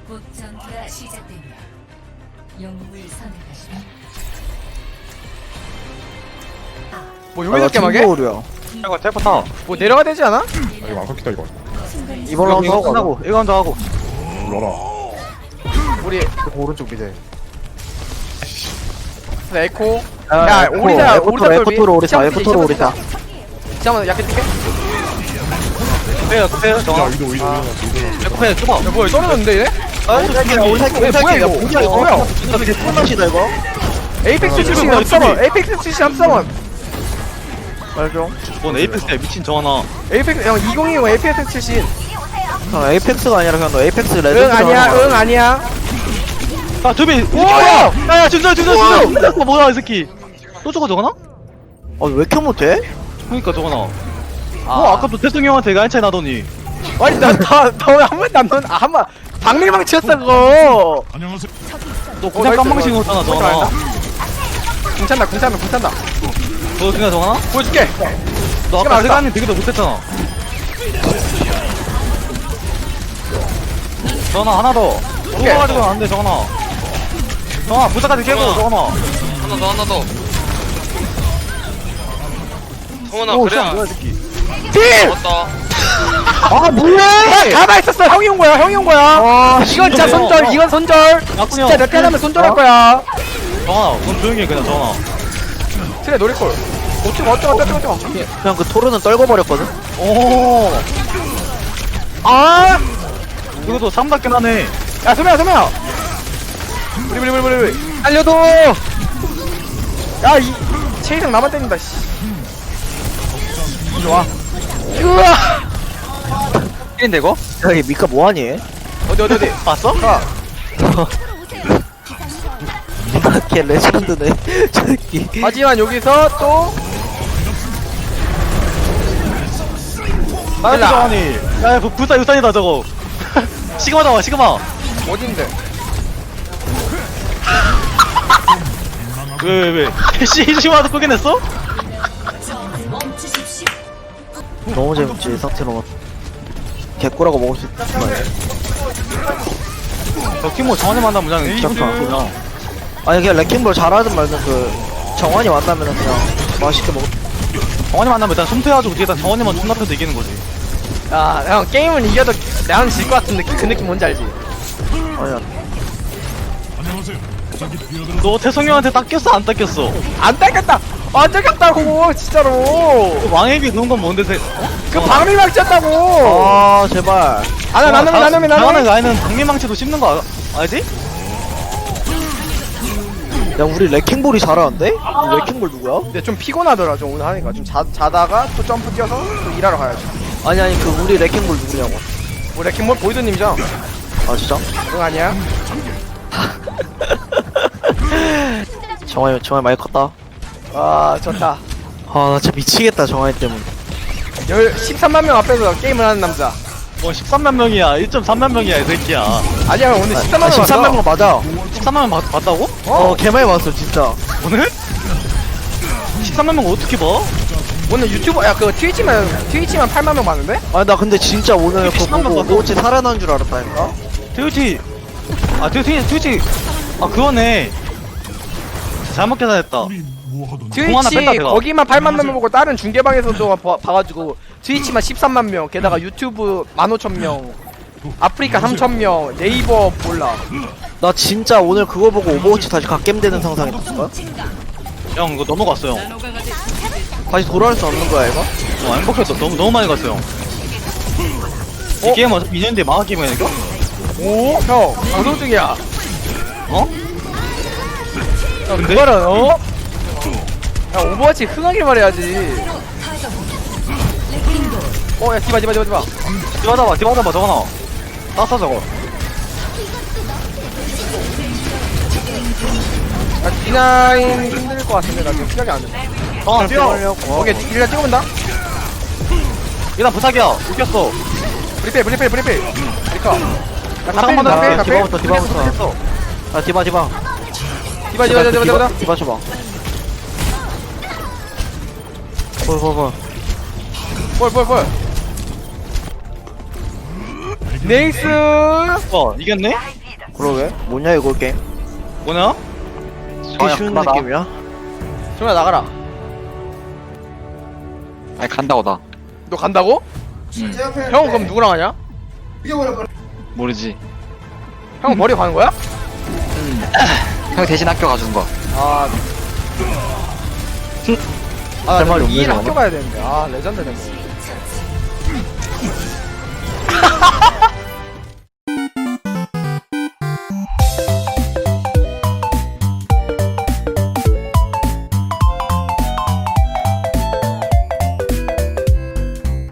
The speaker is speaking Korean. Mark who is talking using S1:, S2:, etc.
S1: 곧 전투가 시작됩니다. 영웅을 선택하시면
S2: 뭐 여기서 깨마게?
S3: 오류야.
S4: 이거 텔포 타.
S2: 뭐 내려가 되지 않아?
S5: 아, 이거 안 깎이다 이거.
S3: 이번 라운드
S4: 이거
S3: 하고
S4: 끝나고 이거 먼저 하고.
S5: 불러라.
S2: 우리
S3: 오른쪽 미대.
S2: 에코. 야, 오리사
S3: 에코토로 오리사. 에코토로 오리사.
S2: 잠깐만 약해 뛸게.
S4: 빼요, 빼요,
S5: 야,
S4: 정아.
S5: 이도 이도.
S4: 빼, 좁아.
S2: 야 뭐야 떨어졌는데 얘네?
S3: 오리사
S2: 뭐야, 이거?
S3: 뭐야 이거?
S2: 뭐야?
S3: 이게 꿀맛이다 이거.
S2: 에이펙스 출신
S4: 뭐야,
S2: 합성원. 에이펙스 출신 합성원.
S3: 말좀.
S4: 뭔 에이펙스야, 미친 정하나.
S2: 에이펙스 형 2020 에이펙스 출신.
S3: 에이펙스가 아니라 그냥 너 에이펙스 레전드.
S2: 응 아니야 응 아니야.
S4: 야, 두비.
S2: 뭐야?
S4: 야, 준서. 뭐야, 이 새끼. 또 저거 정하나?
S3: 왜 이렇게 못해?
S4: 그니까 정하나. 아까도 태승이 형한테 이거 한 차이 나더니.
S2: 아니 나너한 번도 안 넣은 한번 박밀망 치였어 그거.
S5: 안녕하세요.
S4: 너 그냥 깜망신 거잖아, 정하나.
S2: 괜찮다 괜찮다.
S4: 너 그냥 정하나?
S2: 보여줄게.
S4: 너 아까 세간님 되게도 못했잖아. 정하나, 하나 더. 뽑아가지고 안 돼, 정하나. 정하나, 부사까지 깨고, 정하나.
S6: 하나 더. 성원아
S4: 오,
S6: 그래.
S4: 씨, 뭐야, 이 새끼.
S2: 필.
S6: 맞다.
S3: 아 뭐해?
S2: 가만 있었어. 형이 온 거야. 이건 진짜 손절. 이건 손절.
S4: 나쁜이
S2: 진짜 몇 개하면 손절할 거야.
S4: 정하나, 그럼 조용히 해, 그냥 정하나.
S2: 그래 노릴걸. 어쩌고.
S3: 그냥 그 토르는 떨궈버렸거든.
S4: 오.
S2: 아.
S4: 이것도 3답긴 하네.
S2: 야 소매야. 우리. 알려도. 야이 체이상 나만 때린다. 씨. 좋아. 으아.
S4: 1인데 이거?
S3: 야이 미카 뭐하니?
S2: 어디.
S4: 봤어?
S3: 걔 레전드네. 저기.
S2: 하지만 여기서 또.
S4: 나이스 정환이. 야, 불사 유산이다 저거. 시그마 나와, 시그마.
S2: 어딘데?
S4: 왜? 시그마도 끄긴했어?
S1: 멈추십시오.
S3: 너무 재밌지 상태로. 개꾸라고 먹을 수 있다.
S4: 저 키모 정환이 만나면 그냥
S3: 잠깐.
S4: 그냥.
S3: 아니 그냥 레킹볼 잘하든 말든 그 정환이 만나면 그냥 맛있게 먹.
S4: 정환이 만나면 일단 숨퇴해가지고 뒤에다 정환이만 존나 펴서 이기는 거지.
S2: 야, 형 게임은 이겨도 나는 질 것 같은 느낌. 그 느낌 뭔지 알지?
S3: 아니야.
S5: 안녕하세요. 저기 뛰어들어.
S4: 너 태성이 형한테 닦였어, 안 닦였어?
S2: 안 닦였다. 안 닦였다고 진짜로.
S4: 그 왕에게 넣은 건 뭔데?
S2: 그 방밀망 쳤다고.
S3: 아 제발.
S2: 나눔이.
S4: 당하는 아이는 박미망치도 씹는 거 알지?
S3: 야 우리 레킹볼이 잘하는데? 우리 레킹볼 누구야?
S2: 근데 좀 피곤하더라 좀 오늘 하니까 좀 자다가 또 점프 뛰어서 또 일하러 가야지.
S3: 아니 그 우리 레킹볼 누구냐고.
S2: 뭐 레킹볼 보이드님이죠?
S3: 아 진짜?
S2: 응 아니야?
S3: 정환이 많이 컸다.
S2: 아 좋다.
S3: 아나 진짜 미치겠다 정환이 때문에.
S2: 13만 명 앞에서 게임을 하는 남자.
S4: 뭐 13만 명이야, 1.3만 명이야 이 새끼야.
S2: 아니야 형 오늘 13만 명
S3: 13만 명 맞아.
S4: 13만 명 봤다고?
S3: 개 많이 봤어 진짜.
S4: 오늘? 13만 명 어떻게 봐?
S2: 오늘 유튜버 야그 트위치만 8만 명 봤는데?
S3: 아니 나 근데 진짜 오늘 그거
S4: 13만
S3: 보고
S4: 봤어.
S3: 오버워치 살아난 줄 알았다니까.
S4: 트위치. 아 트위치. 아 그거네. 잘못 계산했다.
S5: 우리 뭐 하던?
S4: 공 하나
S2: 트위치
S4: 뺐다, 내가.
S2: 거기만 8만 명 보고 다른 중계방에서도 봐가지고 트위치만 13만 명 게다가 유튜브 15,000명 아프리카 3,000명 네이버 몰라.
S3: 나 진짜 오늘 그거 보고 오버워치 다시 갓겜되는 상상했었어.
S4: 형 이거 넘어갔어 형.
S3: 다시 돌아올 수 없는 거야 이거?
S4: 행복했어. 너무 많이 갔어 형. 이 게임 어차피 2년 뒤에 망할 게임이야 이거?
S2: 오? 형 방송 중이야.
S4: 어?
S2: 야 그거는 어? 야 오버워치 흥하길 말해야지. 야 디바
S4: 디바다봐 저거나. 땄어 저거.
S2: 야 D9 힘들 것 같은데 나 지금 시작이 안 돼.
S4: 뛰어.
S2: 오케이 일단 찍어본다.
S4: 일단 부탁이야. 이겼어.
S2: 브리필 브리커.
S4: 잠깐만 나
S3: 디바부터 디바부터. 아 디바.
S2: 디바
S3: 디바 줘봐. 볼.
S2: 볼 네이스.
S4: 이겼네?
S3: 그러게 뭐냐 이거 게임
S4: 뭐냐?
S3: 이렇게 쉬운
S7: 그만하.
S3: 느낌이야?
S2: 정현아 나가라.
S7: 아니 간다고 나.
S2: 너 간다고? 형은 그럼 누구랑 하냐?
S7: 모르지.
S2: 형은 버리고 가는 거야?
S7: 형 대신 학교 가준 거.
S2: 아. 아,
S3: 할 말이 없네,
S2: 이일
S3: 저거는.
S2: 학교 가야 되는데. 아, 레전드네.